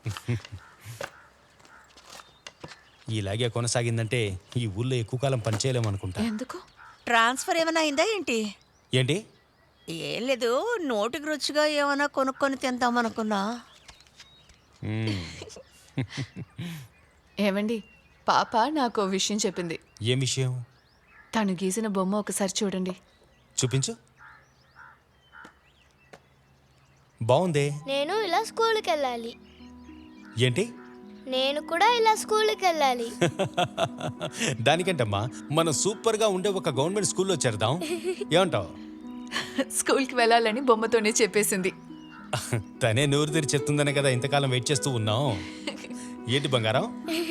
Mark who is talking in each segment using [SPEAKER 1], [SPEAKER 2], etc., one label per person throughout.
[SPEAKER 1] ఇలాగే కొనసాగిందంటే ఈ ఊళ్ళో ఎక్కువ కాలం పనిచేయలేమనుకుంటా.
[SPEAKER 2] ఎందుకు?
[SPEAKER 3] ట్రాన్స్ఫర్ ఏమైనా అయిందా ఏంటి?
[SPEAKER 1] ఏంటి?
[SPEAKER 3] ఏం లేదు, నోటికి రుచిగా ఏమైనా కొనుక్కొని తిందామనుకున్నా.
[SPEAKER 2] ఏమండి, పాప నాకు ఓ విషయం చెప్పింది.
[SPEAKER 1] ఏం విషయం?
[SPEAKER 2] తను గీసిన బొమ్మ ఒకసారి చూడండి.
[SPEAKER 1] చూపించు. బాగుందే.
[SPEAKER 4] నేను ఇలా స్కూల్కి వెళ్ళాలి.
[SPEAKER 1] ఏంటి?
[SPEAKER 4] నేను కూడా ఇలా స్కూల్కి వెళ్ళాలి.
[SPEAKER 1] దానికంటమ్మా మనం సూపర్గా ఉండే ఒక గవర్నమెంట్ స్కూల్లో చేరదాం. ఏమంటావు?
[SPEAKER 2] స్కూల్కి వెళ్ళాలని బొమ్మతోనే చెప్పేసింది.
[SPEAKER 1] తనే నోరు తెరి చెప్తుందనే కదా ఇంతకాలం వెయిట్ చేస్తూ ఉన్నాం. ఏంటి బంగారం?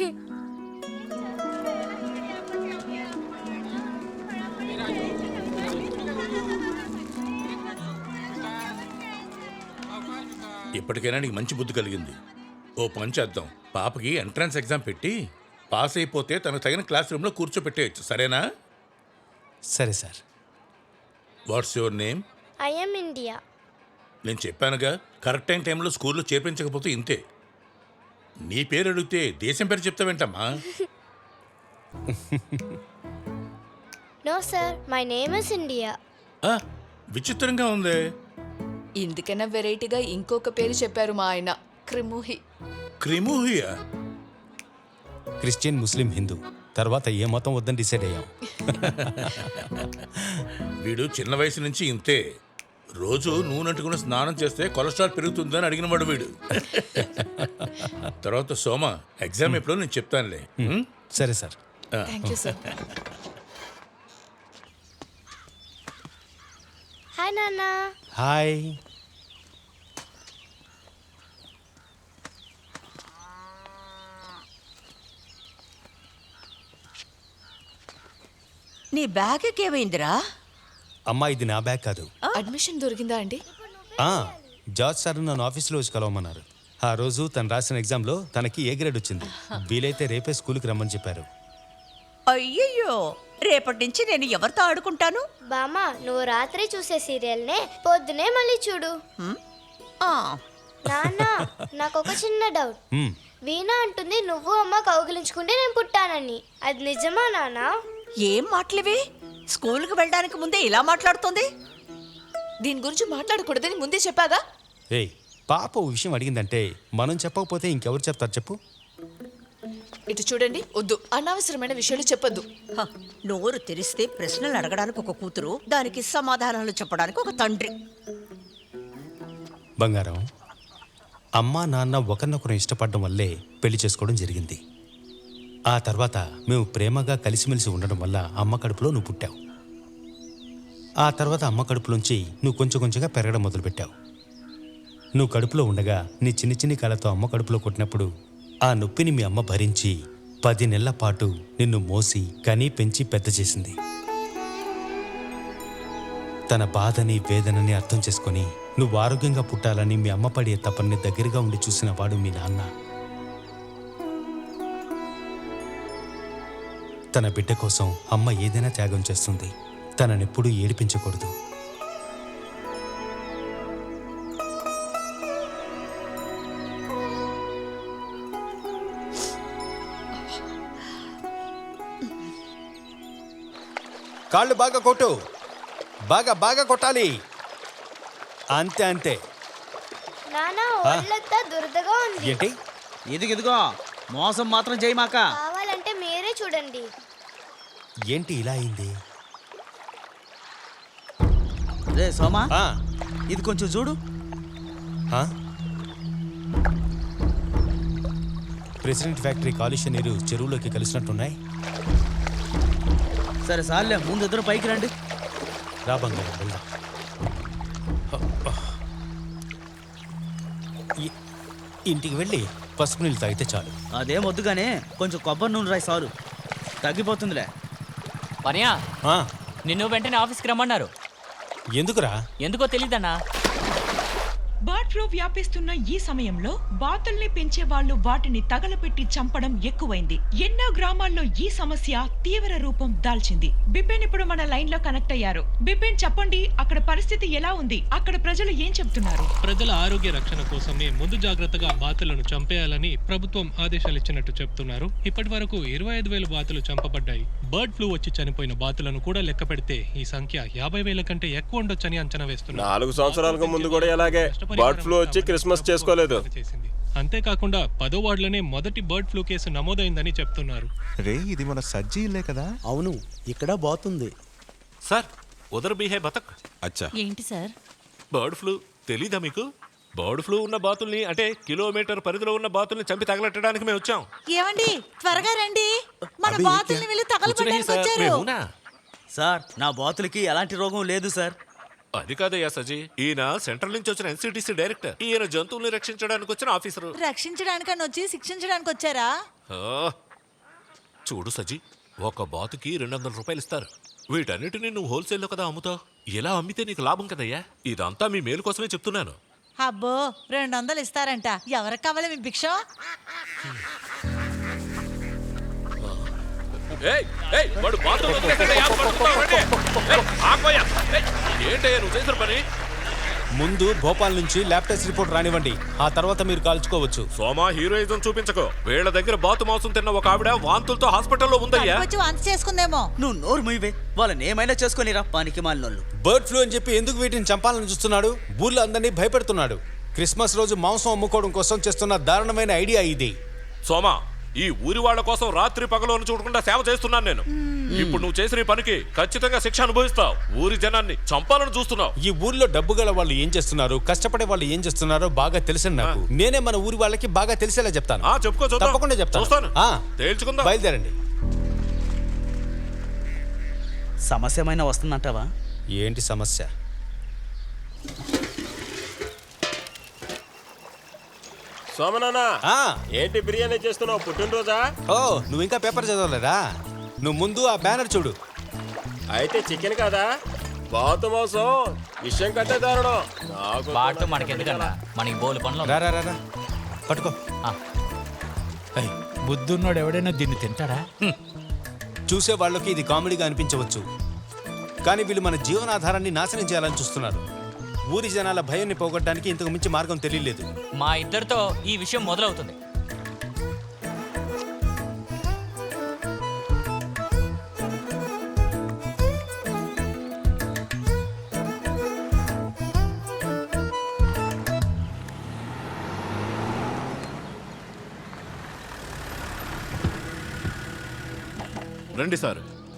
[SPEAKER 5] ఇప్పటికైనా నీకు మంచి బుద్ధి కలిగింది. ఓ పని చేద్దాం, పాపకి ఎంట్రన్స్ ఎగ్జామ్ పెట్టి పాస్ అయిపోతే తనకు తగిన క్లాస్ రూమ్లో కూర్చోపెట్టేయచ్చు. సరేనా?
[SPEAKER 1] సరే sir.
[SPEAKER 5] What's your name?
[SPEAKER 4] I'm India.
[SPEAKER 5] నేను చెప్పానుగా, కరెక్ట్ టైంలో స్కూల్లో చేర్పించకపోతే ఇంతే. నీ పేరు అడిగితే దేశం పేరు చెప్తావేంటమ్మా?
[SPEAKER 4] No sir, my name is India.
[SPEAKER 5] ఆ, విచిత్రంగా ఉందే.
[SPEAKER 2] ఇందుకన్నా వెరైటీగా ఇంకొక పేరు చెప్పారు మా ఆయన, క్రిముహి.
[SPEAKER 5] క్రిముహియా?
[SPEAKER 1] క్రిస్టియన్, ముస్లిం, హిందూ తర్వాత ఏ మతం వద్దని డిసైడ్ అయ్యాం.
[SPEAKER 5] వీడు చిన్న వయసు నుంచి ఇంతే. రోజు నూనెంటుకుని స్నానం చేస్తే కొలెస్ట్రాల్ పెరుగుతుందని అడిగినవాడు వీడు. తర్వాత సోమ, ఎగ్జామ్ ఎప్పుడో నేను చెప్తానులే.
[SPEAKER 1] సరే sir.
[SPEAKER 2] Thank you sir.
[SPEAKER 4] Hi నాన్న.
[SPEAKER 1] హాయ్.
[SPEAKER 3] నీ బ్యాగ్కి ఏమైందిరా?
[SPEAKER 1] అమ్మా, ఇది నా బ్యాగ్ కాదు.
[SPEAKER 2] అడ్మిషన్ దొరికిందా అండి?
[SPEAKER 1] జార్జ్ సార్ నన్ను ఆఫీస్లో వచ్చి కలవమన్నారు. ఆ రోజు తను రాసిన ఎగ్జామ్లో తనకి ఏ గ్రేడ్ వచ్చింది. వీలైతే రేపే స్కూల్కి రమ్మని చెప్పారు.
[SPEAKER 3] అయ్యయ్యో, రేపటి నుంచి నేను ఎవరితో ఆడుకుంటాను?
[SPEAKER 4] బామ్మ, నువ్వు రాత్రి చూసే సీరియల్నే పొద్దునే మళ్ళీ చూడు.
[SPEAKER 3] ఆ,
[SPEAKER 4] నాన్న, నాకు ఒక చిన్న డౌట్. వీణా అంటుంది నువ్వు అమ్మ కౌగిలించుకుంటే నేను పుట్టానని. అది నిజమా నాన్న?
[SPEAKER 3] ఏం మాటలివి? స్కూల్కి వెళ్ళడానికి ముందే ఇలా మాట్లాడుతుంది.
[SPEAKER 2] దీని గురించి మాట్లాడకూడదని ముందే చెప్పాగా.
[SPEAKER 1] ఏయ్, పాప ఓ విషయం అడిగిందంటే మనం చెప్పకపోతే ఇంకెవరు చెప్తారు చెప్పు?
[SPEAKER 2] ఇటు చూడండి, వద్దు, అనవసరమైన విషయాలు చెప్పొద్దు.
[SPEAKER 3] హ, నోరు తెరిస్తే ప్రశ్నలు అడగడానికి ఒక కూతురు, దానికి సమాధానాలు చెప్పడానికి ఒక తండ్రి.
[SPEAKER 1] బంగారం, అమ్మా నాన్న ఒకరినొకరు ఇష్టపడడం వల్లే పెళ్లి చేసుకోవడం జరిగింది. ఆ తర్వాత మేము ప్రేమగా కలిసిమెలిసి ఉండడం వల్ల అమ్మ కడుపులో నువ్వు పుట్టావు. ఆ తర్వాత అమ్మ కడుపులోంచి నువ్వు కొంచెం కొంచెంగా పెరగడం మొదలుపెట్టావు. నువ్వు కడుపులో ఉండగా నీ చిన్ని చిన్ని కాళ్ళతో అమ్మ కడుపులో కొట్టినప్పుడు ఆ నొప్పిని మీ అమ్మ భరించి 10 నెలల పాటు నిన్ను మోసి కనీ పెంచి పెద్ద చేసింది. తన బాధని వేదనని అర్థం చేసుకొని నువ్వు ఆరోగ్యంగా పుట్టాలని మీ అమ్మ పడే తపన్ని దగ్గరగా ఉండి చూసిన వాడు మీ నాన్న. తన బిడ్డ కోసం అమ్మ ఏదైనా త్యాగం చేస్తుంది. తననెప్పుడూ ఏడిపించకూడదు. కాళ్ళు బాగా కొట్టు, బాగా బాగా కొట్టాలి. అంతే అంతే.
[SPEAKER 4] నాన్న, ఒళ్ళంతా దురదగా ఉంది.
[SPEAKER 1] ఏంటి?
[SPEAKER 6] ఇదిగో మోసం మాత్రం చేయమాక.
[SPEAKER 4] కావాలంటే మీరే చూడండి.
[SPEAKER 1] ఏంటి ఇలా అయింది?
[SPEAKER 6] రే సోమా,
[SPEAKER 1] ఆ,
[SPEAKER 6] ఇది కొంచెం చూడు.
[SPEAKER 1] ఆ? ప్రెసిడెంట్ ఫ్యాక్టరీ కాలుష్య నీరు చెరువులోకి కలిసినట్టున్నాయి.
[SPEAKER 6] సరే సార్లే, ముందు ఇద్దరు పైకి రండి.
[SPEAKER 1] రా బంగారం, వెళ్దాం. ఇంటికి వెళ్ళి పసుపు నీళ్ళు తాగితే చాలు.
[SPEAKER 6] అదేం వద్దుగానే కొంచెం కొబ్బరి నూనె రాయి సారు, తగ్గిపోతుందిలే.
[SPEAKER 7] పనియా,
[SPEAKER 1] ఆ,
[SPEAKER 7] నిన్ను వెంటనే ఆఫీస్కి రమ్మన్నారు.
[SPEAKER 1] ఎందుకురా?
[SPEAKER 7] ఎందుకో తెలీదన్నా.
[SPEAKER 8] బట్
[SPEAKER 7] ఫ్లూ వ్యాపిస్తున్న ఈ సమయంలో బాతుల్ని పెంచే వాళ్ళు వాటిని తగలపెట్టి చంపడం ఎక్కువైంది. ఎన్నో గ్రామాల్లో ఈ సమస్య తీవ్ర రూపం దాల్చింది. బిపిన్ ఇప్పుడు మన లైన్ లో కనెక్ట్ అయ్యారు. బిపిన్, చెప్పండి, అక్కడ పరిస్థితి ఎలా ఉంది? అక్కడ ప్రజలు ఏం చెప్తున్నారు?
[SPEAKER 8] ప్రజల ఆరోగ్య రక్షణ కోసమే ముందు జాగ్రత్తగా బాతులను చంపేయాలని ప్రభుత్వం ఆదేశాలు ఇచ్చినట్టు చెప్తున్నారు. ఇప్పటి వరకు 25,000 బాతులు చంపబడ్డాయి. బర్డ్ ఫ్లూ వచ్చి చనిపోయిన బాతులను కూడా లెక్క పెడితే ఈ సంఖ్య 50,000 కంటే ఎక్కువ ఉండొచ్చని అంచనా వేస్తున్నారు.
[SPEAKER 9] 4 సంవత్సరాలకు ముందు కూడా ఇలాగే బర్డ్ ఫ్లూ వచ్చి క్రిస్మస్ చేసుకోలేదు.
[SPEAKER 8] అంతేకాకుండా 10వ వార్డులోనే మొదటి బర్డ్ ఫ్లూ కేసు నమోదైందని చెప్తున్నారు.
[SPEAKER 10] రే, ఇది మన సజ్జీ ఇల్లే కదా?
[SPEAKER 6] అవును, ఇక్కడ బాతుంది.
[SPEAKER 11] సార్, ఉదర్ బీహే బతక్.
[SPEAKER 10] అచ్చా.
[SPEAKER 3] ఏంటి సార్?
[SPEAKER 11] బర్డ్ ఫ్లూ తెలీదా మీకు? బర్డ్ ఫ్లూ ఉన్న బాతుల్ని, అంటే కిలోమీటర్ పరిధిలో ఉన్న బాతుల్ని చంపి తగలెట్టడానికి మేము వచ్చాం.
[SPEAKER 3] ఏమండి, త్వరగా రండి, మన బాతుల్ని వెళ్ళి తగలబెట్టడానికి వచ్చారు.
[SPEAKER 11] మేమునా?
[SPEAKER 6] సార్, నా బాతులకి ఎలాంటి రోగం లేదు సార్.
[SPEAKER 11] అది కాదయ్యా సజీ, ఈయన సెంట్రల్ నుంచి వచ్చిన ఎన్సిటిసి డైరెక్టర్. ఈయన జంతువుల్ని రక్షించడానికి వచ్చిన ఆఫీసరు.
[SPEAKER 3] రక్షించడానికని వచ్చి శిక్షించడానికి వచ్చారా?
[SPEAKER 11] చూడు సజీ, ఒక బాతుకి 200 రూపాయలు ఇస్తారు. వీటన్నిటిని నువ్వు హోల్సేల్లో కదా అమ్ముతావు. ఇలా అమ్మితే నీకు లాభం కదయ్యా. ఇదంతా మీ మేలు కోసమే చెప్తున్నాను.
[SPEAKER 3] అబ్బో, 200 ఇస్తారంట. ఎవరికి కావాలి మీ భిక్ష?
[SPEAKER 11] వాడు బాతులు వదిలేసాడయ్యా, పట్టుకోవండి. ఆగోయ్యా. ఏంటయ్యా నువ్వు చేసిన పని?
[SPEAKER 1] ముందు భోపాల్ నుంచి ల్యాబ్ టెస్ట్ రిపోర్ట్ రానివ్వండి, ఆ తర్వాత మీరు కాల్చుకోవచ్చు.
[SPEAKER 11] సోమా, హీరోయిజం చూపించకు. వీళ్ళ దగ్గర బాతు మాంసం తిన్న ఒక ఆవిడ వాంతులతో హాస్పిటల్లో ఉందయ్యా.
[SPEAKER 3] వచ్చి వాంతి చేసుకుందేమో.
[SPEAKER 6] నువ్వు నోరు మూయవే, వాళ్ళని ఏమైనా చేసుకొనిరా పానికి మాలినోళ్ళు.
[SPEAKER 1] బర్డ్ ఫ్లూ అని చెప్పి ఎందుకు వీటిని చంపాలని చూస్తున్నాడు? ఊర్లో అందరినీ భయపెడుతున్నాడు. క్రిస్మస్ రోజు మాంసం అమ్ముకోవడం కోసం చేస్తున్న దారుణమైన ఐడియా ఇది.
[SPEAKER 11] సోమా, ఈ ఊరి వాళ్ళ కోసం రాత్రి పగలను చూడకుండా సేవ చేస్తున్నాను నేను. ఇప్పుడు నువ్వు చేసిన ఈ పనికి ఖచ్చితంగా శిక్ష అనుభవిస్తావు. ఊరి జనాన్ని చంపాలని చూస్తున్నావు.
[SPEAKER 1] ఈ ఊర్లో డబ్బు గల వాళ్ళు ఏం చేస్తున్నారు, కష్టపడే వాళ్ళు ఏం చేస్తున్నారో బాగా తెలిసిన నాకు. నేనే మన ఊరి వాళ్ళకి బాగా తెలిసేలా చెప్తాను.
[SPEAKER 11] చెప్పుకో,
[SPEAKER 1] తప్పకుండా చెప్తాను.
[SPEAKER 11] తేల్చుకుందాం.
[SPEAKER 1] బయలుదేరండి.
[SPEAKER 6] సమస్య ఏమైనా వస్తుందంటావా?
[SPEAKER 1] ఏంటి సమస్య?
[SPEAKER 9] సోమనానా, ఏంటి బిర్యానీ చేస్తున్నావు? పుట్టినరోజా?
[SPEAKER 1] ఓ, నువ్వు ఇంకా పేపర్ చదవలేదా? నువ్వు ముందు ఆ బ్యానర్ చూడు.
[SPEAKER 9] అయితే చికెన్ కదా? బాతు మాంసం విషయం కంటే దారుణం.
[SPEAKER 12] బాటు మనకెందుకన్నా, మనకి బోలు పనులు.
[SPEAKER 1] రా రా రా, పట్టుకో.
[SPEAKER 12] బుద్ధున్నోడు ఎవడైనా దీన్ని తింటాడా?
[SPEAKER 1] చూసే వాళ్ళకి ఇది కామెడీగా అనిపించవచ్చు, కానీ వీళ్ళు మన జీవనాధారాన్ని నాశనం చేయాలని చూస్తున్నారు. ఊరి జనాల భయాన్ని పోగొట్టడానికి ఇంతకు మించి మార్గం తెలియలేదు.
[SPEAKER 12] మా ఇద్దరితో ఈ విషయం మొదలవుతుంది.
[SPEAKER 11] రండి సార్.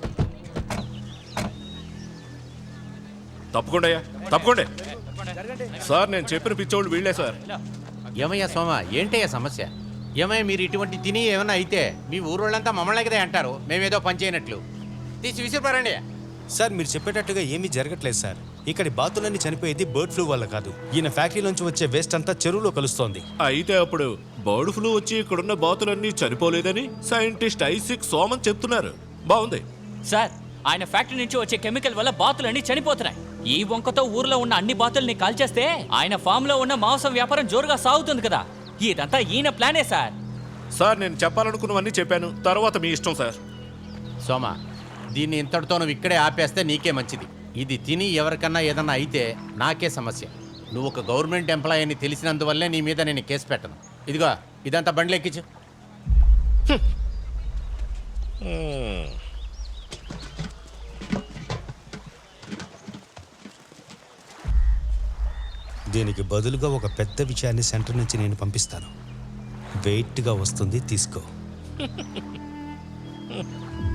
[SPEAKER 11] తప్పకుండా తప్పకుండా సార్, నేను చెప్పిన పిచ్చోళ్ళు వీళ్ళే సార్.
[SPEAKER 13] ఏమయ్యా సోమ, ఏంటయ్యా సమస్య? ఏమయ్యా మీరు ఇటువంటి తిని ఏమన్నా అయితే మీ ఊరోళ్ళంతా మమ్మల్ని కదా అంటారు, మేమేదో పని చేయనట్లు. తీసి విసిరిపారండి.
[SPEAKER 1] సార్, మీరు చెప్పేటట్టుగా ఏమీ జరగట్లేదు సార్. ఇక్కడి బాతులన్నీ చనిపోయేది బర్డ్ ఫ్లూ వల్ల కాదు. ఈయన ఫ్యాక్టరీ నుంచి వచ్చే వేస్ట్ అంతా చెరువులో కలుస్తోంది.
[SPEAKER 11] అయితే అప్పుడు బర్డ్ ఫ్లూ వచ్చి ఇక్కడున్న బాతులన్నీ చనిపోలేదని సైంటిస్ట్ ఐసిక్ సోమన్ చెప్తున్నారు. బాగుంది
[SPEAKER 12] సార్, ఆయన ఫ్యాక్టరీ నుంచి వచ్చే కెమికల్ వల్ల బాతులన్నీ చనిపోతున్నాయి. ఈ వంకతో ఊర్లో ఉన్న అన్ని బాతుల్ని కాల్చేస్తే ఆయన ఫామ్ లో ఉన్న మాంసం వ్యాపారం జోరుగా సాగుతుంది కదా. ఇదంతా ఈయన ప్లానే సార్.
[SPEAKER 11] సార్, నేను చెప్పాలనుకున్నవన్నీ చెప్పాను, తర్వాత మీ ఇష్టం సార్.
[SPEAKER 13] సోమ, దీన్ని ఇంతటితో నువ్వు ఇక్కడే ఆపేస్తే నీకే మంచిది. ఇది తిని ఎవరికన్నా ఏదన్నా అయితే నాకే సమస్య. నువ్వు ఒక గవర్నమెంట్ ఎంప్లాయీ అని తెలిసినందువల్లే నీ మీద నేను కేసు పెట్టను. ఇదిగో, ఇదంతా బండ్లు ఎక్కించు.
[SPEAKER 1] దీనికి బదులుగా ఒక పెద్ద విషయాన్ని సెంటర్ నుంచి నేను పంపిస్తాను. వెయిట్గా వస్తుంది, తీసుకో.